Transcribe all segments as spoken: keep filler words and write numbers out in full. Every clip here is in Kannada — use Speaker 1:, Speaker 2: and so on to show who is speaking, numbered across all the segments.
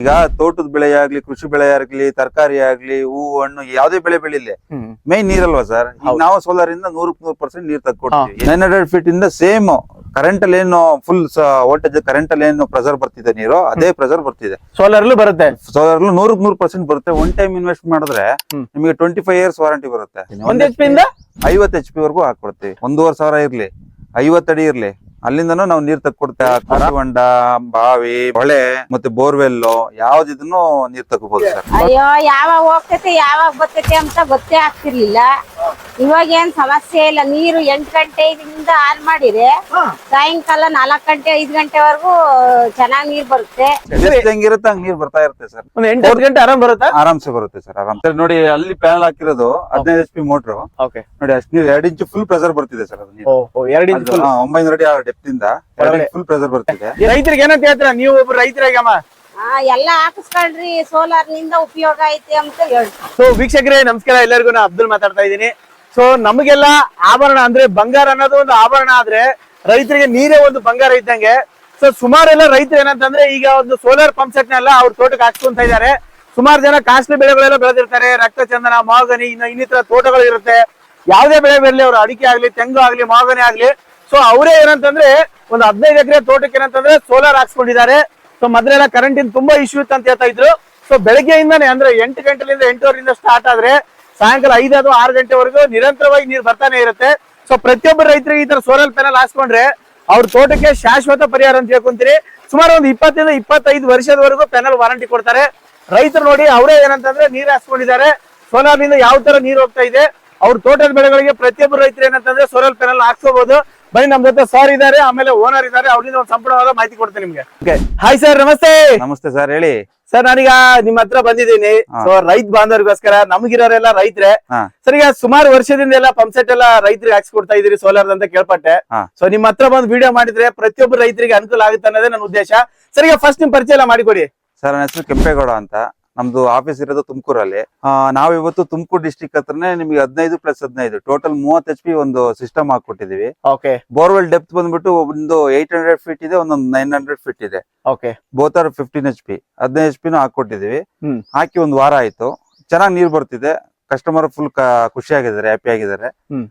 Speaker 1: ಈಗ ತೋಟದ ಬೆಳೆ ಆಗ್ಲಿ, ಕೃಷಿ ಬೆಳೆ ಆಗ್ಲಿ, ತರಕಾರಿ ಆಗ್ಲಿ, ಹೂವು ಹಣ್ಣು ಯಾವ್ದೇ ಬೆಳೆ ಬೆಳಿಲಿ ಮೈನ್ ನೀರಲ್ವಾ ಸರ್. ಈಗ ನಾವು ಸೋಲಾರ್ ಇಂದ ನೂರಕ್ ನೂರ್ ಪರ್ಸೆಂಟ್ ನೀರ್ ತಕ್ಕೊಡ್ತೀವಿ. ನೈನ್ ಹಂಡ್ರೆಡ್ ಫೀಟ್ ಇಂದ ಸೇಮ್ ಕರೆಂಟ್ ಅಲ್ಲಿ ಏನು ಫುಲ್ ವೋಲ್ಟೇಜ್ ಕರೆಂಟ್ ಅಲ್ಲಿ ಏನು ಪ್ರೆಸರ್ ಬರ್ತಿದೆ ನೀರು, ಅದೇ ಪ್ರೆಸರ್ ಬರ್ತಿದೆ
Speaker 2: ಸೋಲಾರ್ ಬರುತ್ತೆ.
Speaker 1: ಸೋಲಾರ್ ನೂರಕ್ ನೂರ್ ಪರ್ಸೆಂಟ್ ಬರುತ್ತೆ. ಒನ್ ಟೈಮ್ ಇನ್ವೆಸ್ಟ್ ಮಾಡಿದ್ರೆ ನಿಮಗೆ ಟ್ವೆಂಟಿ ಫೈವ್ ಇಯರ್ಸ್ ವಾರಂಟಿ ಬರುತ್ತೆ.
Speaker 2: ಒಂದ್ ಎಚ್ ಪಿ ಇಂದ
Speaker 1: ಐವತ್ ಎಚ್ ಪಿ ವರ್ಗೂ ಹಾಕೊಡ್ತೀವಿ. ಒಂದೂವರೆ ಸಾವಿರ ಇರ್ಲಿ, ಐವತ್ ಅಡಿ ಇರ್ಲಿ, ಅಲ್ಲಿಂದನೂ ನಾವು ನೀರ್ ತಕ್ಕೊಡ್ತೇವೆ. ಹೊಂಡ, ಬಾವಿ, ಹೊಳೆ ಮತ್ತೆ ಬೋರ್ವೆಲ್ ಯಾವ್ದಿದನ್ನು ನೀರ್ ತಗೋಬಹುದು ಸರ್.
Speaker 3: ಅಯ್ಯೋ ಯಾವಾಗ ಹೋಗ್ತೈತೆ ಯಾವಾಗ ಬರ್ತೈತೆ ಅಂತ ಗೊತ್ತೇ ಆಗ್ತಿರ್ಲಿಲ್ಲ. ಇವಾಗ ಏನ್ ಸಮಸ್ಯೆ ಇಲ್ಲ. ನೀರು ಎಂಟು ಗಂಟೆಯಿಂದ ಆನ್ ಮಾಡಿದ್ರೆ ಸಾಯಂಕಾಲ ನಾಲ್ಕ್ ಗಂಟೆ ಐದ್ ಗಂಟೆವರೆಗೂ ಚೆನ್ನಾಗಿ ನೀರ್ ಬರುತ್ತೆ.
Speaker 1: ಹೆಂಗಿರುತ್ತೆ ಹಂಗ್ ನೀರ್ ಬರ್ತಾ ಇರುತ್ತೆ ಸರ್.
Speaker 2: ಒಂದ್ ಎಂಟು ಹತ್ತು ಗಂಟೆ ಆರಾಮ್ ಬರುತ್ತಾ?
Speaker 1: ಆರಾಮ್ಸೆ ಬರುತ್ತೆ ಸರ್. ಆರಾಮ್ ಸರ್. ನೋಡಿ ಅಲ್ಲಿ ಪ್ಯಾನಲ್ ಹಾಕಿರೋದು ಹದಿನೈದು ಎಚ್ ಪಿ ಮೋಟ್ರು. ನೋಡಿ ಅಷ್ಟು ನೀರ್ ಎರಡ್ ಇಂಚು ಫುಲ್ ಪ್ರೆಸರ್ ಬರ್ತಿದೆ ಸರ್. ಅದು
Speaker 2: ಎರಡು ಇಂಚು
Speaker 1: ಒಂಬೈನೂರ ಅಡಿ ಡೆಪ್ತ್ ಇಂದ ಫುಲ್ ಪ್ರೆಸರ್ ಬರ್ತಿದೆ.
Speaker 2: ರೈತರಿಗೆ ಏನಂತ ಹೇಳ್ತೀರಾ ನೀವು? ಒಬ್ರು ರೈತರಾಗಮ್ಮ
Speaker 3: ಎಲ್ಲ ಹಾಕಿಸ್ಕೊಂಡ್ರಿ ಸೋಲಾರ್ ನಿಂದ ಉಪಯೋಗ ಐತೆ ಅಂತ ಹೇಳ್ತಾರೆ.
Speaker 2: ಸೊ ವೀಕ್ಷಕರೇ ನಮಸ್ಕಾರ, ಎಲ್ಲರಿಗೂ ನಾ ಅಬ್ದುಲ್ ಮಾತಾಡ್ತಾ ಇದ್ದೀನಿ. ಸೊ ನಮಗೆಲ್ಲ ಆಭರಣ ಅಂದ್ರೆ ಬಂಗಾರ ಅನ್ನೋದು ಒಂದು ಆಭರಣ ಆದ್ರೆ ರೈತರಿಗೆ ನೀರೇ ಒಂದು ಬಂಗಾರ ಇದ್ದಂಗೆ. ಸೊ ಸುಮಾರೆಲ್ಲ ರೈತರು ಏನಂತಂದ್ರೆ ಈಗ ಒಂದು ಸೋಲಾರ್ ಪಂಪ್ ಸೆಟ್ ನೆಲ್ಲ ಅವ್ರ ತೋಟಕ್ಕೆ ಹಾಕ್ಸ್ಕೊಂತ ಇದ್ದಾರೆ. ಸುಮಾರು ಜನ ಕಾಸ್ಟ್ಲಿ ಬೆಳೆಗಳೆಲ್ಲ ಬೆಳೆದಿರ್ತಾರೆ. ರಕ್ತಚಂದನ, ಮಾಗನಿ, ಇನ್ನು ಇನ್ನಿತರ ತೋಟಗಳು ಇರುತ್ತೆ. ಯಾವ್ದೇ ಬೆಳೆ ಬೆಳಲಿ, ಅವ್ರು ಅಡಿಕೆ ಆಗ್ಲಿ, ತೆಂಗು ಆಗ್ಲಿ, ಮಾಗನಿ ಆಗ್ಲಿ, ಸೊ ಅವರೇ ಏನಂತಂದ್ರೆ ಒಂದು ಹದಿನೈದು ಎಕರೆ ತೋಟಕ್ಕೆ ಏನಂತಂದ್ರೆ ಸೋಲಾರ್ ಹಾಕ್ಸ್ಕೊಂಡಿದ್ದಾರೆ. ಸೊ ಮೊದಲೆಲ್ಲ ಕರೆಂಟಿನ ತುಂಬಾ ಇಶ್ಯೂ ಇತ್ತು ಅಂತ ಹೇಳ್ತಾ ಇದ್ರು. ಸೊ ಬೆಳಗ್ಗೆಯಿಂದಾನೆ ಅಂದ್ರೆ ಎಂಟು ಗಂಟೆಲಿಂದ ಎಂಟುವರೆಯಿಂದ ಸ್ಟಾರ್ಟ್ ಆದ್ರೆ ಸಾಯಂಕಾಲ ಐದು ಅಥವಾ ಆರು ಗಂಟೆವರೆಗೂ ನಿರಂತರವಾಗಿ ನೀರು ಬರ್ತಾನೆ ಇರುತ್ತೆ. ಸೊ ಪ್ರತಿಯೊಬ್ಬರು ರೈತರಿಗೆ ಈ ತರ ಸೋಲಾರ್ ಪ್ಯಾನಲ್ ಹಾಕ್ಸ್ಕೊಂಡ್ರೆ ಅವ್ರ ತೋಟಕ್ಕೆ ಶಾಶ್ವತ ಪರಿಹಾರ ಅಂತ ಹೇಳ್ಕೊಂತೀರಿ. ಸುಮಾರು ಒಂದು ಇಪ್ಪತ್ತರಿಂದ ಇಪ್ಪತ್ತೈದು ವರ್ಷದವರೆಗೂ ಪ್ಯಾನಲ್ ವಾರಂಟಿ ಕೊಡ್ತಾರೆ. ರೈತರು ನೋಡಿ ಅವರೇ ಏನಂತಂದ್ರೆ ನೀರು ಹಾಕ್ಸ್ಕೊಂಡಿದ್ದಾರೆ. ಸೋಲಾರ್ ನಿಂದ ಯಾವ ತರ ನೀರು ಹೋಗ್ತಾ ಇದೆ, ಅವ್ರ ತೋಟದ ಬೆಳೆಗಳಿಗೆ ಪ್ರತಿಯೊಬ್ಬರು ರೈತರು ಏನಂತಂದ್ರೆ ಸೋಲಾರ್ ಪ್ಯಾನಲ್ ಹಾಕ್ಸ್ಕೋಬಹುದು. ಬನ್ನಿ, ನಮ್ ಜೊತೆ ಸರ್ ಇದಾರೆ, ಆಮೇಲೆ ಓನರ್ ಇದಾರೆ, ಅವ್ರಿಂದ ಒಂದು ಸಂಪೂರ್ಣವಾದ ಮಾಹಿತಿ ಕೊಡ್ತೇನೆ ನಿಮ್ಗೆ. ಹಾಯ್ ಸರ್, ನಮಸ್ತೆ.
Speaker 1: ನಮಸ್ತೆ ಸರ್, ಹೇಳಿ
Speaker 2: ಸರ್. ನಾನೀಗ ನಿಮ್ ಹತ್ರ ಬಂದಿದ್ದೀನಿ. ಸೊ ರೈತ ಬಾಂಧವರಿಗೋಸ್ಕರ, ನಮಗಿರೋರೆಲ್ಲ ರೈತರೇ ಸರ್. ಈಗ ಸುಮಾರು ವರ್ಷದಿಂದ ಎಲ್ಲ ಪಂಪ್ ಸೆಟ್ ಎಲ್ಲ ರೈತರಿಗೆ ಹಾಕ್ಸ್ಕೊಡ್ತಾ ಇದೀರಿ ಸೋಲಾರ್ ಅಂತ ಕೇಳ್ಪಟ್ಟೆ. ಸೊ ನಿಮ್ ಹತ್ರ ಬಂದು ವಿಡಿಯೋ ಮಾಡಿದ್ರೆ ಪ್ರತಿಯೊಬ್ಬರು ರೈತರಿಗೆ ಅನುಕೂಲ ಆಗುತ್ತೆ ಅನ್ನೋದೇ ನನ್ನ ಉದ್ದೇಶ. ಸರ್ ಈಗ ಫಸ್ಟ್ ನಿಮ್ ಪರಿಚಯ ಎಲ್ಲ ಮಾಡಿಕೊಡಿ.
Speaker 1: ಸರ್, ನನ್ನ ಹೆಸರು ಕೆಂಪೇಗೌಡ ಅಂತ. ನಮ್ದು ಆಫೀಸ್ ಇರೋದು ತುಮಕೂರಲ್ಲಿ. ನಾವ್ ಇವತ್ತು ತುಮಕೂರು ಡಿಸ್ಟಿಕ್ ಹತ್ರನೇ ನಿಮ್ಗೆ ಹದಿನೈದು ಪ್ಲಸ್ ಹದಿನೈದು ಟೋಟಲ್ ಮೂವತ್ ಎಚ್ ಪಿ ಒಂದು ಸಿಸ್ಟಮ್ ಹಾಕೊಟ್ಟಿದೀವಿ. ಬೋರ್ವೆಲ್ ಡೆಪ್ತ್ ಬಂದ್ಬಿಟ್ಟು ಒಂದು ಏಟ್ ಹಂಡ್ರೆಡ್ ಫೀಟ್ ಇದೆ, ಒಂದೊಂದು ನೈನ್ ಹಂಡ್ರೆಡ್ ಫೀಟ್ ಇದೆ. Both are fifteen H P ಹದಿನೈದು ಎಚ್ ಪಿನೂ ಹಾಕೊಟ್ಟಿದೀವಿ. ಹಾಕಿ ಒಂದ್ ವಾರ ಆಯ್ತು. ಚೆನ್ನಾಗಿ ನೀರ್ ಬರ್ತಿದೆ. ಕಸ್ಟಮರ್ ಫುಲ್ ಖುಷಿಯಾಗಿದ್ದಾರೆ, ಹ್ಯಾಪಿ ಆಗಿದ್ದಾರೆ.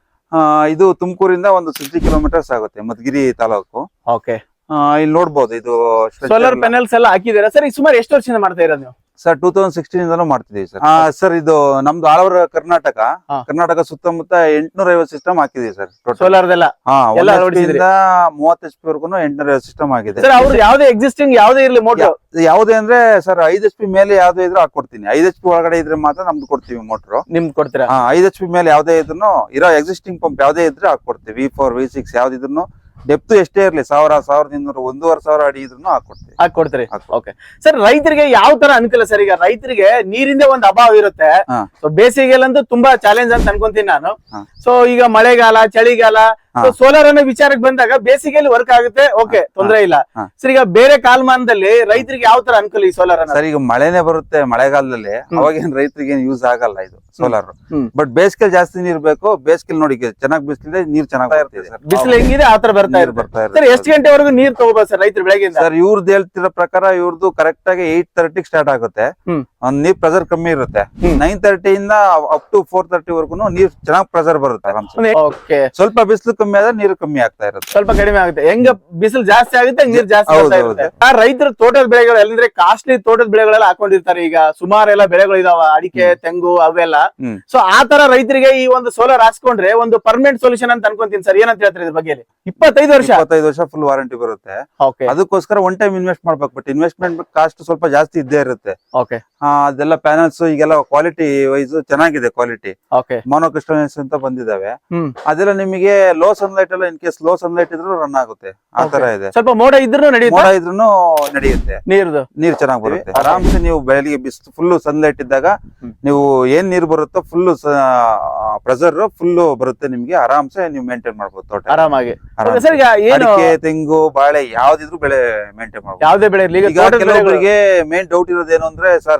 Speaker 1: ಇದು ತುಮಕೂರಿಂದ ಒಂದು ಸಿಕ್ಸ್ಟಿ ಕಿಲೋಮೀಟರ್ಸ್ ಆಗುತ್ತೆ, ಮಧುಗಿರಿ ತಾಲೂಕು. ಇಲ್ಲಿ ನೋಡ್ಬೋದು, ಇದು
Speaker 2: ಸೋಲಾರ್ ಪ್ಯಾನಲ್ಸ್ ಎಲ್ಲ ಹಾಕಿದ್ದೀರಾ ಸರ್? ಸುಮಾರು ಎಷ್ಟು ವರ್ಷದಿಂದ ಮಾಡ್ತಾ ಇರೋದು ನೀವು?
Speaker 1: ಸರ್ ಟೂ ತೌಸಂಡ್ ಸಿಕ್ಸ್ಟೀನ್ ಇಂದನೂ ಮಾಡ್ತಿದೀವಿ ಸರ್. ಸರ್ ಇದು ನಮ್ದು ಆಲ್ ಓವರ್ ಕರ್ನಾಟಕ ಕರ್ನಾಟಕ ಸುತ್ತಮುತ್ತ ಎಂಟ್ನೂರ ಐವತ್ತು ಸಿಸ್ಟಮ್ ಹಾಕಿದೀವಿ ಸರ್.
Speaker 2: ಸೋಲಾರ್
Speaker 1: ಮೂವತ್ತು ಎಚ್ ಪಿ ವರ್ಗು ಎಂಟ್ನೂರ ಐವತ್ತು ಸಿಸ್ಟಮ್ ಆಗಿದೆ.
Speaker 2: ಅವ್ರು ಯಾವ್ದೇ ಎಕ್ಸಿಸ್ಟಿಂಗ್ ಯಾವ್ದೇ ಇರ್ಲಿ ಮೋಟರ್
Speaker 1: ಯಾವ್ದೇ ಅಂದ್ರೆ ಸರ್ ಐದ್ ಎಚ್ ಪಿ ಮೇಲೆ ಯಾವ್ದೇ ಇದ್ರೆ ಹಾಕೊಡ್ತೀನಿ. ಐದ್ ಎಚ್ ಪಿ ಒಳಗಡೆ ಇದ್ರೆ ಮಾತ್ರ ನಮ್ದು ಕೊಡ್ತೀವಿ ಮೋಟರ್.
Speaker 2: ನಿಮ್ದು ಕೊಡ್ತೀರಾ?
Speaker 1: ಐದ್ ಎಚ್ ಪಿ ಮೇಲೆ ಯಾವ್ದೇ ಇದ್ರು ಇರೋ ಎಕ್ಸಿಸ್ಟಿಂಗ್ ಪಂಪ್ ಯಾವ್ದೇ ಇದ್ರೆ ಹಾಕೊಡ್ತೀವಿ. ವಿ ಫೋರ್ ವಿ ಸಿಕ್ಸ್ ಯಾವ್ದಿದ್ರು ಡೆಪ್ತ್ ಎಷ್ಟೇ ಇರ್ಲಿ, ಸಾವಿರ ಸಾವಿರದ ಇನ್ನೂರು ಒಂದೂವರೆ ಸಾವಿರ ಅಡಿ ಇದ್ರು ಹಾಕೊಡ್ತೀವಿ.
Speaker 2: ಹಾಕೊಡ್ತೀರಿ. ಓಕೆ ಸರ್, ರೈತರಿಗೆ ಯಾವ ತರ ಅನುಕೂಲ ಸರ್? ಈಗ ರೈತರಿಗೆ ನೀರಿಂದ ಒಂದು ಅಭಾವ ಇರುತ್ತೆ. ಬೇಸಿಗೆಲ್ಲಂತೂ ತುಂಬಾ ಚಾಲೆಂಜ್ ಅಂತ ಅನ್ಕೊಂತೀನಿ ನಾನು. ಸೊ ಈಗ ಮಳೆಗಾಲ, ಚಳಿಗಾಲ, ಸೋಲಾರ್ ಅನ್ನೋ ವಿಚಾರಕ್ಕೆ ಬಂದಾಗ ಬೇಸಿಗೆಯಲ್ಲಿ ವರ್ಕ್ ಆಗುತ್ತೆ, ಓಕೆ, ತೊಂದರೆ ಇಲ್ಲ. ಸರ್ ಈಗ ಬೇರೆ ಕಾಲಮಾನದಲ್ಲಿ ರೈತರಿಗೆ ಯಾವ ತರ ಅನುಕೂಲ ಈ ಸೋಲಾರ್?
Speaker 1: ಸರ್ ಈಗ ಮಳೆನೆ ಬರುತ್ತೆ ಮಳೆಗಾಲದಲ್ಲಿ, ಅವಾಗೇನ್ ರೈತರಿಗೆ ಏನ್ ಯೂಸ್ ಆಗಲ್ಲ ಇದು ಸೋಲಾರ್. ಬಟ್ ಬೇಸಿಗೆ ಜಾಸ್ತಿ ನೀರ್ ಬೇಕು. ಬೇಸಿಗೆ ನೋಡಿ ಚೆನ್ನಾಗಿ ಬಿಸಿಲಿದೆ, ನೀರ್ ಚೆನ್ನಾಗಿ ಬರ್ತದೆ.
Speaker 2: ಬಿಸಿಲು ಹೆಂಗಿದೆ ಆ ತರ ಬರ್ತಾ
Speaker 1: ಬರ್ತಾ
Speaker 2: ಇರುತ್ತೆ. ಎಷ್ಟು ಗಂಟೆವರೆಗೂ ನೀರ್ ತಗೋಬಹುದು ಸರ್ ರೈತರು ಬೆಳಗ್ಗೆ?
Speaker 1: ಸರ್ ಇವ್ರದ್ದು ಹೇಳ್ತಿರೋ ಪ್ರಕಾರ ಇವ್ರದ್ದು ಕರೆಕ್ಟ್ ಆಗಿ ಏಟ್ ತರ್ಟಿ ಸ್ಟಾರ್ಟ್ ಆಗುತ್ತೆ. ಒಂದ್ ನೀರ್ ಪ್ರೆಸರ್ ಕಮ್ಮಿ ಇರುತ್ತೆ. ನೈನ್ ತರ್ಟಿ ಇಂದ ಅಪ್ ಟು ಫೋರ್ ತರ್ಟಿ ವರ್ಗು ನೀರ್ ಚೆನ್ನಾಗಿ ಪ್ರೆಸರ್ ಬರುತ್ತೆ. ಸ್ವಲ್ಪ ಬಿಸಿಲು ಕಮ್ಮಿ ಆದ್ರೆ ನೀರು ಕಮ್ಮಿ ಆಗ್ತಾ ಇರುತ್ತೆ.
Speaker 2: ಸ್ವಲ್ಪ ಕಡಿಮೆ ಆಗುತ್ತೆ. ಹೆಂಗ ಬಿಸಿಲು ಜಾಸ್ತಿ ಆಗುತ್ತೆ ನೀರ್ ಜಾಸ್ತಿ ಆಗುತ್ತೆ. ರೈತರು ತೋಟದ ಬೆಳೆಗಳು ಎಲ್ಲಂದ್ರೆ ಕಾಸ್ಟ್ಲಿ ತೋಟದ ಬೆಳೆಗಳೆಲ್ಲ ಹಾಕೊಂಡಿರ್ತಾರೆ. ಈಗ ಸುಮಾರೆಲ್ಲ ಬೆಳೆಗಳು ಇದಾವ, ಅಡಿಕೆ, ತೆಂಗು ಅವೆಲ್ಲ. ಸೊ ಆ ತರ ರೈತರಿಗೆ ಈ ಒಂದು ಸೋಲಾರ್ ಹಾಕ್ಸ್ಕೊಂಡ್ರೆ ಒಂದು ಪರ್ಮನೆಂಟ್ ಸೊಲ್ಯೂಷನ್ ಅಂತ ಅನ್ಕೊಂತೀನಿ ಸರ್. ಏನಂತ ಹೇಳ್ತಾರೆ ಇದ್ರ ಬಗ್ಗೆ? ಇಪ್ಪತ್ತೈದು ವರ್ಷ
Speaker 1: ಇಪ್ಪತ್ತೈದು ವರ್ಷ ಫುಲ್ ವಾರಂಟಿ ಬರುತ್ತೆ. ಅದಕ್ಕೋಸ್ಕರ ಒನ್ ಟೈಮ್ ಇನ್ವೆಸ್ಟ್ ಮಾಡ್ಬೇಕು. ಬಟ್ ಇನ್ವೆಸ್ಟ್ಮೆಂಟ್ ಕಾಸ್ಟ್ ಸ್ವಲ್ಪ ಜಾಸ್ತಿ ಇದ್ದೇ ಇರುತ್ತೆ. ಅದೆಲ್ಲ ಪ್ಯಾನಲ್ಸ್ ಈಗೆಲ್ಲ ಕ್ವಾಲಿಟಿ ವೈಸ್ ಚೆನ್ನಾಗಿದೆ. ಕ್ವಾಲಿಟಿ ಮೋನೋಕ್ರಿಸ್ಟಲೈನ್ಸ್ ಅಂತ ಬಂದಿದಾವೆ. ಅದೆಲ್ಲ ನಿಮಗೆ ಲೋ ಸನ್ಲೈಟ್ ಎಲ್ಲ ಇನ್ ಕೇಸ್ ಲೋ ಸನ್ಲೈಟ್ ಇದ್ರು ರನ್ ಆಗುತ್ತೆ. ಆ ತರ ಇದೆ.
Speaker 2: ಸ್ವಲ್ಪ ಮೋಡ ಇದ್ರು
Speaker 1: ಮೋಡ ಇದ್ರು ನಡೆಯುತ್ತೆ. ನೀರ್ದು ನೀರ್ ಚೆನ್ನಾಗಿ ಬರುತ್ತೆ. ಆರಾಮ್ಸೆ ನೀವು ಬೆಳಿಗ್ಗೆ ಬಿಸ್ ಫುಲ್ ಸನ್ಲೈಟ್ ಇದ್ದಾಗ ನೀವು ಏನ್ ನೀರ್ ಬರುತ್ತೋ ಫುಲ್ ಪ್ರೆಸರ್ ಫುಲ್ ಬರುತ್ತೆ. ನಿಮ್ಗೆ ಆರಾಮ್ಸೆ ನೀವು ಮೇಂಟೈನ್ ಮಾಡ್ಬೋದು ತೋಟ
Speaker 2: ಆರಾಮಾಗಿ.
Speaker 1: ಅಡಿಕೆ, ತೆಂಗು, ಬಾಳೆ ಯಾವ್ದಿದ್ರು ಬೆಳೆ ಮೇಂಟೈನ್ ಮಾಡ್ಬೋದು.
Speaker 2: ಯಾವ್ದೇ ಬೆಳೆ.
Speaker 1: ಕೆಲವೊಬ್ಬರಿಗೆ ಮೇನ್ ಡೌಟ್ ಇರೋದೇನು ಅಂದ್ರೆ ಸರ್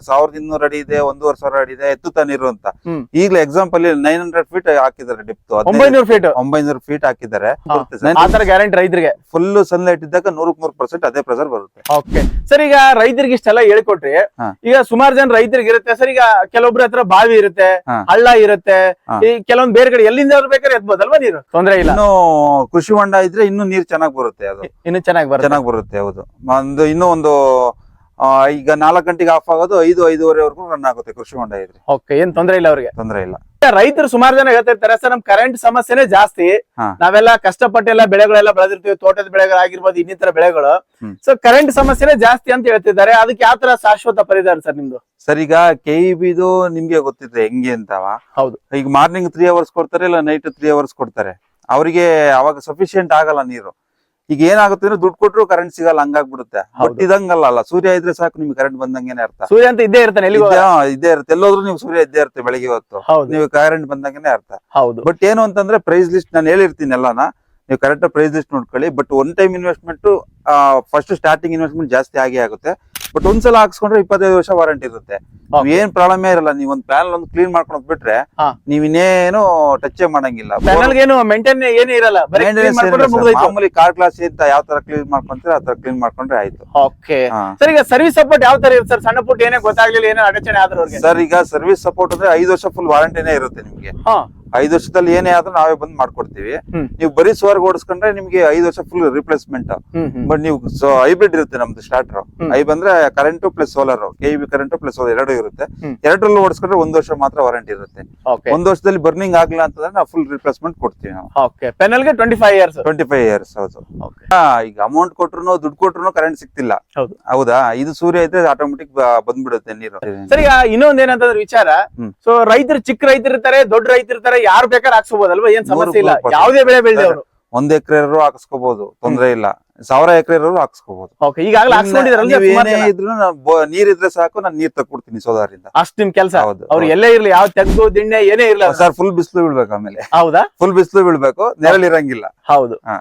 Speaker 1: ಸಾವಿರದ ಇನ್ನೂರ ಅಡಿ ಇದೆ, ಒಂದೂವರೆ ಸಾವಿರ ಅಡಿ ಇದೆ, ಎತ್ತುತ್ತಾ ನೀರು ಅಂತ.
Speaker 2: ಹ್ಮ್.
Speaker 1: ಈಗಲೇ ಎಕ್ಸಾಂಪಲ್ ನೈನ್ ಹಂಡ್ರೆಡ್ ಫೀಟ್ ಹಾಕಿದ್ದಾರೆ ಡಿಪ್ತ್,
Speaker 2: ಒಂಬೈನೂರು ಫೀಟ್
Speaker 1: ಒಂಬೈನೂರು ಫೀಟ್ ಹಾಕಿದ್ದಾರೆ.
Speaker 2: ಆತರ ಗ್ಯಾರಂಟಿ ರೈತರಿಗೆ
Speaker 1: ಫುಲ್ ಸನ್ಲೈಟ್ ಇದ್ದಾಗ ನೂರಕ್ ನೂರ್ ಪರ್ಸೆಂಟ್ ಅದೇ ಪ್ರೆಸರ್ ಬರುತ್ತೆ.
Speaker 2: ಓಕೆ ಸರ್, ಈಗ ರೈತರಿಗೆ ಇಷ್ಟೆಲ್ಲ ಹೇಳ್ಕೊಟ್ರಿ,
Speaker 1: ಹಾ.
Speaker 2: ಈಗ ಸುಮಾರು ಜನ ರೈತರಿಗೆ ಇರುತ್ತೆ ಸರ್, ಈಗ ಕೆಲವೊಬ್ರ ಹತ್ರ ಬಾವಿ ಇರುತ್ತೆ,
Speaker 1: ಹಾ.
Speaker 2: ಹಳ್ಳ ಇರುತ್ತೆ,
Speaker 1: ಹಾ.
Speaker 2: ಈ ಕೆಲವೊಂದ್ ಬೇರೆ ಕಡೆ ಎಲ್ಲಿಂದ ಬೇಕಾದ್ರೆ ಎತ್ಬೋದಲ್ವಾ ನೀರು, ತೊಂದ್ರೆ ಇಲ್ಲ.
Speaker 1: ಇನ್ನು ಕೃಷಿ ಹೊಂಡ ಇದ್ರೆ ಇನ್ನು ನೀರ್ ಚೆನ್ನಾಗ್ ಬರುತ್ತೆ, ಅದು
Speaker 2: ಇನ್ನು ಚೆನ್ನಾಗಿ ಬರುತ್ತೆ.
Speaker 1: ಚೆನ್ನಾಗ್ ಬರುತ್ತೆ. ಹೌದು, ಒಂದು ಇನ್ನೂ ಒಂದು ಆ, ಈಗ ನಾಲ್ಕು ಗಂಟೆಗೆ ಆಫ್ ಆಗೋದು ಐದು ಐದೂವರೆವರೆಗೂ ರನ್ ಆಗುತ್ತೆ ಕೃಷಿ ಹೊಂಡ ಇದ್ರೆ.
Speaker 2: ಓಕೆ, ಏನ್ ತೊಂದ್ರೆ ಇಲ್ಲ ಅವ್ರಿಗೆ.
Speaker 1: ತೊಂದ್ರೆ ಇಲ್ಲ.
Speaker 2: ರೈತರು ಸುಮಾರು ಜನ ಹೇಳ್ತಿರ್ತಾರೆ ಸರ್, ನಮ್ ಕರೆಂಟ್ ಸಮಸ್ಯೆನೇ ಜಾಸ್ತಿ,
Speaker 1: ಹಾ.
Speaker 2: ನಾವೆಲ್ಲ ಕಷ್ಟಪಟ್ಟೆಲ್ಲ ಬೆಳೆಗಳೆಲ್ಲ ಬೆಳೆದಿರ್ತೀವಿ, ತೋಟದ ಬೆಳೆಗಳಾಗಿರ್ಬೋದು, ಇನ್ನಿತರ ಬೆಳೆಗಳು.
Speaker 1: ಹ್ಮ್.
Speaker 2: ಸೊ ಕರೆಂಟ್ ಸಮಸ್ಯೆನೇ ಜಾಸ್ತಿ ಅಂತ ಹೇಳ್ತಿದ್ದಾರೆ, ಅದಕ್ಕೆ ಯಾವ ತರ ಶಾಶ್ವತ ಪರಿಹಾರ ಸರ್ ನಿಮ್ದು?
Speaker 1: ಸರ್, ಈಗ ಕೆ ಇ ಬಿದು ನಿಮ್ಗೆ ಗೊತ್ತಿದ್ರೆ ಹೆಂಗೆ ಅಂತವ.
Speaker 2: ಹೌದು.
Speaker 1: ಈಗ ಮಾರ್ನಿಂಗ್ ತ್ರೀ ಅವರ್ಸ್ ಕೊಡ್ತಾರೆ, ಇಲ್ಲ ನೈಟ್ ತ್ರೀ ಅವರ್ಸ್ ಕೊಡ್ತಾರೆ. ಅವರಿಗೆ ಅವಾಗ ಸಫಿಶಿಯಂಟ್ ಆಗಲ್ಲ ನೀರು. ಈಗ ಏನಾಗುತ್ತೆ ಅಂದ್ರೆ ದುಡ್ಡು ಕೊಟ್ಟರು ಕರೆಂಟ್ ಸಿಗಲ್ಲ, ಹಂಗಾಗ್ಬಿಡುತ್ತೆ. ಬಟ್ ಇದಂಗಲ್ಲ ಅಲ್ಲ, ಸೂರ್ಯ ಇದ್ರೆ ಸಾಕು ನಿಮ್ಗೆ ಕರೆಂಟ್ ಬಂದಂಗೆನೆ ಅರ್ಥ.
Speaker 2: ಸೂರ್ಯ ಅಂತ ಇದ್ದೇ ಇರ್ತಾನೆ, ಎಲ್ಲಿಗೂ
Speaker 1: ಇದ್ದೇ- ಹಾ, ಇದ್ದೇ ಇರುತ್ತೆ. ಎಲ್ಲೋದ್ರು ನೀವು ಸೂರ್ಯ ಇದ್ದೇ ಇರುತ್ತೆ ಬೆಳಿಗ್ಗೆ ಹೊತ್ತು,
Speaker 2: ಹೌದು.
Speaker 1: ನೀವು ಕರೆಂಟ್ ಬಂದಂಗೆನೆ ಅರ್ಥ.
Speaker 2: ಹೌದು.
Speaker 1: ಬಟ್ ಏನು ಅಂತಂದ್ರೆ ಪ್ರೈಸ್ ಲಿಸ್ಟ್ ನಾನು ಹೇಳಿರ್ತೀನಿ ಎಲ್ಲಾನ, ನೀವು ಕರೆಕ್ಟ್ ಪ್ರೈಸ್ ಲಿಸ್ಟ್ ನೋಡ್ಕೊಳ್ಳಿ. But one time investment first starting investment ಜಾಸ್ತಿ ಆಗೇ ಆಗುತ್ತೆ. ಬಟ್ ಒಂದ್ಸಲ ಹಾಕ್ಸ್ಕೊಂಡ್ರೆ ಇಪ್ಪತ್ತೈದು ವರ್ಷ ವಾರಂಟಿ ಇರುತ್ತೆ.
Speaker 2: Okay.
Speaker 1: ಏನ್ ಪ್ರಾಬ್ಲಮ್ ಇರಲ್ಲ. ನೀವ್ ಒಂದ್ ಪ್ಯಾನಲ್ ಒಂದು ಕ್ಲೀನ್ ಮಾಡ್ಕೊಂಡ್ ಬಿಟ್ರೆ
Speaker 2: ಹಾ.
Speaker 1: ನೀವ್ ಇನ್ನೇನು ಟಚ್ ಮಾಡಂಗಿಲ್ಲ.
Speaker 2: ಪ್ಯಾನಲ್ ಏನು ಮೇಂಟೈನ್ ಏನೇ ಇರಲ್ಲ, ಬರೀ clean
Speaker 1: Maintenance
Speaker 2: ಮಾಡ್ಕೊಂಡ್ರೆ
Speaker 1: ಏನಿಲ್ಲ sir.
Speaker 2: ಮುಗ್ದೋಯ್ತು.
Speaker 1: ಮಾಮೂಲಿ ಕಾರ್ ಕ್ಲಾಸ್ ಅಂತ ಯಾವ ತರ ಕ್ಲೀನ್ ಮಾಡ್ಕೊಂತೀರ ಆ ತರ ಕ್ಲೀನ್ ಮಾಡ್ಕೊಂಡ್ರೆ ಆಯ್ತು.
Speaker 2: ಓಕೆ
Speaker 1: ಹಾ.
Speaker 2: ಸರ್, ಈಗ ಸರ್ವಿಸ್ ಸಪೋರ್ಟ್ ಯಾವ ತರ ಇರುತ್ತೆ ಸರ್? ಸಣ್ಣ ಪುಟ್ಟ ಏನೇ ಗೊತ್ತಾಗ್ಲಿಲ್ಲ, ಏನೋ ಅಡಚಣೆ ಆದ್ರೆ ಅವ್ರಿಗೆ?
Speaker 1: ಸರ್, ಈಗ ಸರ್ವಿಸ್ ಸಪೋರ್ಟ್ ಅಂದ್ರೆ ಐದು ವರ್ಷ ಫುಲ್ ವಾರಂಟಿನೇ ಇರುತ್ತೆ ನಿಮ್ಗೆ.
Speaker 2: ಹಾ.
Speaker 1: ಐದು ವರ್ಷದಲ್ಲಿ ಏನೇ ಆದ್ರೂ ನಾವೇ ಬಂದ್ ಮಾಡ್ಕೊಡ್ತೀವಿ.
Speaker 2: ಹ್ಮ್.
Speaker 1: ನೀವು ಬರೀ ಸ್ವರ್ಗ್ ಓಡಿಸ್ಕೊಂಡ್ರೆ ನಿಮ್ಗೆ ಐದು ವರ್ಷ full replacement.
Speaker 2: Hmm hmm.
Speaker 1: But ನೀವು ಹೈಬ್ರಿಡ್ ಇರುತ್ತೆ ನಮ್ದು ಸ್ಟಾರ್ಟರ್.
Speaker 2: ಹ್ಮ್.
Speaker 1: ಐ ಬಂದ್ರೆ current plus solar, K B current plus solar ಎರಡು ಇರುತ್ತೆ.
Speaker 2: ಹ್ಮ್.
Speaker 1: ಎರಡರಲ್ಲೂ ಓಡಿಸ್ಕೊಂಡ್ರೆ ಒಂದ್ ವರ್ಷ ಮಾತ್ರ ವಾರಂಟಿ ಇರುತ್ತೆ.
Speaker 2: ಓಕೆ.
Speaker 1: ಒಂದ್ ವರ್ಷದಲ್ಲಿ ಬರ್ನಿಂಗ್ ಆಗ್ಲಿಲ್ಲ ಅಂತಂದ್ರೆ ನಾವು ಫುಲ್ ರಿಪ್ಲೇಸ್ಮೆಂಟ್ ಕೊಡ್ತೀವಿ ನಾವು.
Speaker 2: ಓಕೆ, ಪೆನಲ್ ಗೆ twenty five years.
Speaker 1: Twenty five years. ಹೌದು.
Speaker 2: ಓಕೆ.
Speaker 1: ಹಾ, ಈಗ ಅಮೌಂಟ್ ಕೊಟ್ರು ದುಡ್ಡು ಕೊಟ್ರು ಕರೆಂಟ್ ಸಿಗ್ತಿಲ್ಲ.
Speaker 2: ಹೌದು.
Speaker 1: ಹೌದಾ? ಇದು ಸೂರ್ಯ ಇದ್ರೆ ಆಟೋಮೆಟಿಕ್ ಬಂದ್ಬಿಡುತ್ತೆ ನೀರು.
Speaker 2: ಸರ್, ಈಗ ಇನ್ನೊಂದ್ ಏನಂತಂದ್ರೆ ವಿಚಾರ,
Speaker 1: ಹ್ಮ್.
Speaker 2: ಸೊ ರೈತರು ಚಿಕ್ಕ ರೈತರು ಇರ್ತಾರೆ, ದೊಡ್ಡ ರೈತರು ಇರ್ತಾರೆ, ಯಾರು ಬೇಕಾದ್ರೆ ಹಾಕ್ಸ್ಬೋದಲ್ವಾ? ಏನ್ ಸಮಸ್ಯೆ ಇಲ್ಲ,
Speaker 1: ನೂರು
Speaker 2: ಯಾವುದೇ ಬೆಳೆ ಬೆಳೆದೆ ಅವರು.
Speaker 1: ಒಂದ್ ಎಕರೆ ಹಾಕಿಸ್ಕೋಬಹುದು, ತೊಂದ್ರೆ ಇಲ್ಲ. ಸಾವಿರ ಎಕರೆ ಹಾಕಿಸ್ಕೋಬಹುದು.
Speaker 2: ಓಕೆ, ಈಗಾಗಲೇ ಹಾಕ್ಸ್ಕೊಂಡಿದ್ರಲ್ಲ ಸುಮಾರ್
Speaker 1: ಏನೇ
Speaker 2: ಜನ.
Speaker 1: ಇದ್ರು ನಾನ್ ಬೊ- ನೀರಿದ್ರೆ ಸಾಕು, ನಾನು ನೀರ್ ತಕ್ಕೊಡ್ತೀನಿ ಸೋಲಾರಿಂದ.
Speaker 2: ಅಷ್ಟ್ ನಿಮ್ ಕೆಲಸ.
Speaker 1: ಹೌದು.
Speaker 2: ಅವ್ರು ಎಲ್ಲೇ ಇರ್ಲಿ, ಯಾವ ತೆಗ್ದು ದಿಣ್ಣೆ ಏನೇ ಇರ್ಲಿ.
Speaker 1: ಸರ್, ಫುಲ್ ಬಿಸಿಲು ಬೀಳ್ಬೇಕು. ಆಮೇಲೆ
Speaker 2: ಹೌದಾ?
Speaker 1: ಫುಲ್ ಬಿಸಿಲು ಬೀಳ್ಬೇಕು, ನೆರಳಿರಂಗಿಲ್ಲ.
Speaker 2: ಹೌದು.
Speaker 1: ಹಾ.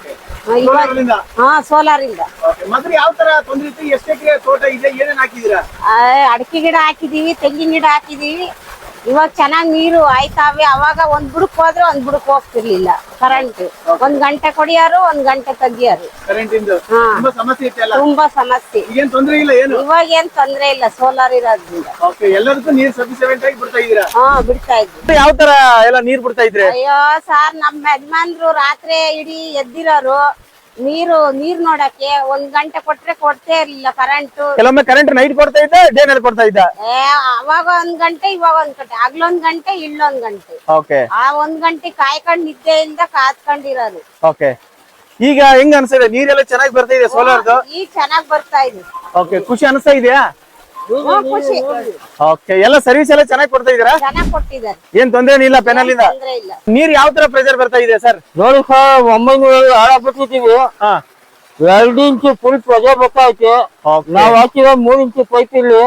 Speaker 3: ಹಾ, ಸೋಲಾರ್ ಇಂದ
Speaker 2: ಮಾತ್ರ ಯಾವ ತರ ತೊಂದ್ರೆ ಇತ್ತು? ಎಷ್ಟು ಎಕರೆ ತೋಟ ಇದೆ, ಏನೇನ್ ಹಾಕಿದೀರಾ?
Speaker 3: ಆ, ಅಡಿಕೆ ಗಿಡ ಹಾಕಿದೀವಿ, ತೆಂಗಿನ ಗಿಡ ಹಾಕಿದೀವಿ. ಇವಾಗ ಚೆನ್ನಾಗ್ ನೀರು ಆಯ್ತಾವೆ. ಅವಾಗ ಒಂದ್ ಬುಡಕ್ ಹೋದ್ರೆ ಒಂದ್ ಬುಡಕ್ ಹೋಗ್ತಿರ್ಲಿಲ್ಲ ಕರೆಂಟ್. ಒಂದ್ ಗಂಟೆ ಕೊಡಿಯಾರು, ಒಂದ್ ಗಂಟೆ ತೆಗಿಯಾರು.
Speaker 2: ಕರೆಂಟ್ ಇಂದ
Speaker 3: ಹಾ.
Speaker 2: ತುಂಬಾ ಸಮಸ್ಯೆ ಇತ್ತಲ್ಲ?
Speaker 3: ತುಂಬಾ ಸಮಸ್ಯೆ.
Speaker 2: ಈಗೇನ್ ತೊಂದ್ರೆ ಇಲ್ಲ ಏನು?
Speaker 3: ಇವಾಗ ಏನ್ ತೊಂದ್ರೆ ಇಲ್ಲ, ಸೋಲಾರ್ ಇರೋದ್ರಿಂದ.
Speaker 2: ಓಕೆ, ಎಲ್ಲದಕ್ಕೂ ನೀರ್ ಸಫಿಸಿಯೆಂಟ್ ಆಗಿ ಬಿಡ್ತಾ ಇದೀರಾ?
Speaker 3: ಹಾ, ಬಿಡ್ತಾ ಇದ್ವಿ.
Speaker 2: ಯಾವ ತರ ಎಲ್ಲ ನೀರ್ ಬಿಡ್ತಾ ಇದ್ರಿ?
Speaker 3: ಅಯ್ಯೋ ಸಾರ್, ನಮ್ಮ ಯಜಮಾನ್ರು ರಾತ್ರಿ ಇಡೀ ಎದ್ದಿರೋರು ನೀರು ನೀರ್ ನೋಡಕ್ಕೆ. ಒಂದ್ ಗಂಟೆ ಕೊಟ್ರೆ ಕೊಡ್ತೇ ಇರ್ಲಿಲ್ಲ ಕರೆಂಟ್.
Speaker 2: ಕೆಲವೊಮ್ಮೆ ಕರೆಂಟ್ ನೈಟ್ ಕೊಡ್ತಾ ಇದ್ದ, ಡೇ ನಲ್ಲಿ ಕೊಡ್ತಾ ಇದ್ದ?
Speaker 3: ಏ, ಅವಾಗ ಒಂದ್ ಗಂಟೆ, ಇವಾಗ ಒಂದ್ ಗಂಟೆ, ಆಗ್ಲೊಂದ್ ಗಂಟೆ, ಇಲ್ಲೊಂದ್ ಗಂಟೆ.
Speaker 2: ಓಕೆ.
Speaker 3: ಆ ಒಂದ್ ಗಂಟೆ ಕಾಯ್ಕೊಂಡ್ ನಿದ್ದೆ ಇಲ್ದ ಕಾತ್ಕೊಂಡಿರೋದು.
Speaker 2: ಓಕೆ, ಈಗ ಹೆಂಗ್ ಅನ್ಸಿದೆ? ನೀರೆಲ್ಲ ಚೆನ್ನಾಗಿ ಬರ್ತಾ ಇದೆ ಸೋಲಾರ್ದು?
Speaker 3: ಈಗ ಚೆನ್ನಾಗ್ ಬರ್ತಾ ಇದೆ.
Speaker 2: ಓಕೆ, ಖುಷಿ ಅನಿಸ್ತಾ ಇದೆಯಾ?
Speaker 3: ಹ್ಮ್, ಖುಷಿ.
Speaker 2: ಓಕೆ, ಎಲ್ಲ ಸರ್ವಿಸ್ ಎಲ್ಲ ಚೆನ್ನಾಗಿ ಕೊಡ್ತಾ ಇದೀರಾ?
Speaker 3: ಚೆನ್ನಾಗ್ ಕೊಟ್ಟಿದ್ದಾರೆ,
Speaker 2: ಏನ್ ತೊಂದ್ರೆ ಇಲ್ಲ ಪೆನಲ್ ಇಂದ?
Speaker 3: ತೊಂದ್ರೆ ಇಲ್ಲ.
Speaker 2: ನೀರ್ ಯಾವ ತರ ಪ್ರೆಷರ್ ಬರ್ತಾ ಇದೆ ಸರ್?
Speaker 4: ನೋಡಿ ಸರ್, ಒಂಬೈನೂರ ಹಾಳಾಗ್ಬಿಟ್ಟಿದೀವಿ.
Speaker 2: ಹಾ.
Speaker 4: ಎರಡು ಇಂಚು ಫುಲ್ ಪ್ರೆಷರ್ ಬರ್ತಾಯ್ತು. ನಾವ್ ಹಾಕಿರೋ ಮೂರ್ ಇಂಚು ಪೈಪ್ ಇಲ್ಲಿ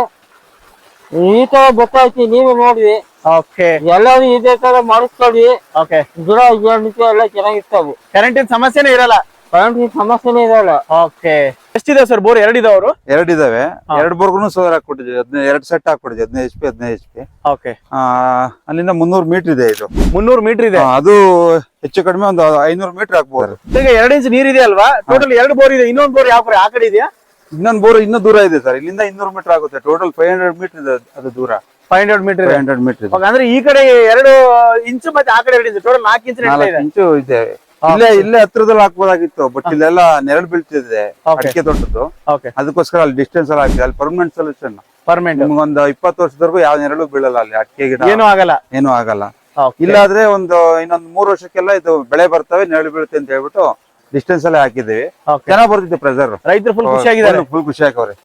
Speaker 4: ಈ ತರ ಬರ್ತಾಯ್ತು, ನೀವೇ ನೋಡ್ರಿ.
Speaker 2: ಓಕೆ.
Speaker 4: ಎಲ್ಲರೂ ಇದೇ ತರ ಮಾಡಿಸ್ಕೊಳ್ಳಿ.
Speaker 2: ಓಕೆ.
Speaker 4: ಗಿಡ ಗಿಡ ಎಲ್ಲ ಚೆನ್ನಾಗಿರ್ತಾವೆ.
Speaker 2: ಕರೆಂಟಿನ ಸಮಸ್ಯೆನೇ ಇರಲ್ಲ?
Speaker 4: ಕರೆಂಟ್ ಸಮಸ್ಯೆನೇ ಇರಲ್ಲ.
Speaker 2: ಓಕೆ. ಎಷ್ಟಿದೆ ಸರ್ ಬೋರ್? ಎರಡಿದವರು?
Speaker 1: ಎರಡಿದಾವೆ. ಎರಡ್ ಬೋರ್ಗುನು ಸೋಲಾರ್ ಹಾಕೊಟ್ಟಿದ್ವಿ. ಹದಿನೈದು ಎರಡ್ ಸೆಟ್ ಹಾಕೊಟ್ಟಿದ್ವಿ, ಹದಿನೈದು ಎಚ್ ಪಿ ಹದಿನೈದು ಎಚ್ ಪಿ.
Speaker 2: ಓಕೆ.
Speaker 1: ಆ ಅಲ್ಲಿಂದ ಮುನ್ನೂರು ಮೀಟರ್ ಇದೆ ಇದು.
Speaker 2: ಮುನ್ನೂರು ಮೀಟರ್ ಇದೆ.
Speaker 1: ಆ, ಅದು ಹೆಚ್ಚು ಕಡಿಮೆ ಒಂದು ಐನೂರು ಮೀಟರ್ ಹಾಕ್ಬೋದು.
Speaker 2: ಈಗ ಎರಡು ಇಂಚ್ ನೀರ್ ಇದೆ ಅಲ್ವಾ? ಟೋಟಲ್ ಎರಡು ಬೋರ್ ಇದೆ. ಇನ್ನೊಂದು ಬೋರ್ ಯಾವ ಕಡೆ ಆ ಕಡೆ ಇದೆಯಾ?
Speaker 1: ಇನ್ನೊಂದು ಬೋರ್ ಇನ್ನೂ ದೂರ ಇದೆ ಸರ್. ಇಲ್ಲಿಂದ ಇನ್ನೂರು ಮೀಟರ್ ಆಗುತ್ತೆ. ಟೋಟಲ್ ಫೈವ್ ಹಂಡ್ರೆಡ್ ಮೀಟರ್ ಇದೆ ಅದು ದೂರ.
Speaker 2: Five hundred metre
Speaker 1: five hundred metre ಇದೆ.
Speaker 2: ಅಂದ್ರೆ ಈ ಕಡೆ ಎರಡು ಇಂಚು ಮತ್ತೆ ಆ ಕಡೆ ಎರಡು ಇಂಚು, ಟೋಟಲ್ ನಾಲ್ಕು ಇಂಚು ನಡೀತಾ
Speaker 1: ನಾಲ್ಕು
Speaker 2: ಇದೆ.
Speaker 1: ಇಂಚು ಇದೆ. ಇಲ್ಲೇ ಇಲ್ಲೇ ಹತ್ರದಲ್ಲಿ ಹಾಕ್ಬೋದಾಗಿತ್ತು, ಬಟ್ ಇಲ್ಲೆಲ್ಲ ನೆರಳು ಬೀಳ್ತಿದೆ ಅಡಿಕೆ ತೋಟದ್ದು.
Speaker 2: ಓಕೆ.
Speaker 1: ಅದಕ್ಕೋಸ್ಕರ ಅಲ್ಲಿ ಡಿಸ್ಟೆನ್ಸ್ ಅಲ್ಲಿ ಹಾಕಿ, ಅಲ್ಲಿ ಪರ್ಮನೆಂಟ್ ಸೊಲ್ಯೂಷನ್.
Speaker 2: ಪರ್ಮನೆಂಟ್.
Speaker 1: ನಿಮ್ಗೊಂದು ಇಪ್ಪತ್ತು ವರ್ಷದವರೆಗೂ ಯಾವ ನೆರಳು ಬೀಳಲ್ಲ ಅಲ್ಲಿ, ಅಡಿಕೆ ಗಿಡ
Speaker 2: ಏನೂ ಆಗಲ್ಲ.
Speaker 1: ಏನೂ ಆಗಲ್ಲ.
Speaker 2: Okay.
Speaker 1: ಇಲ್ಲಾದ್ರೆ ಒಂದು ಇನ್ನೊಂದು ಮೂರು ವರ್ಷಕ್ಕೆಲ್ಲ ಇದು ಬೆಳೆ ಬರ್ತವೆ, ನೆರಳು ಬೀಳುತ್ತೆ ಅಂತ ಹೇಳ್ಬಿಟ್ಟು ಡಿಸ್ಟೆನ್ಸ್ ಅಲ್ಲೇ ಹಾಕಿದೀವಿ.
Speaker 2: Okay.
Speaker 1: ಚೆನ್ನಾಗ್ ಬರ್ತಿದೆ ಪ್ರೆಸರ್.
Speaker 2: ರೈತರು ಫುಲ್ ಖುಷಿಯಾಗಿದ್ದಾರೆ.
Speaker 1: ಫುಲ್ ಖುಷಿ ಹಾಕವ್ರೆ.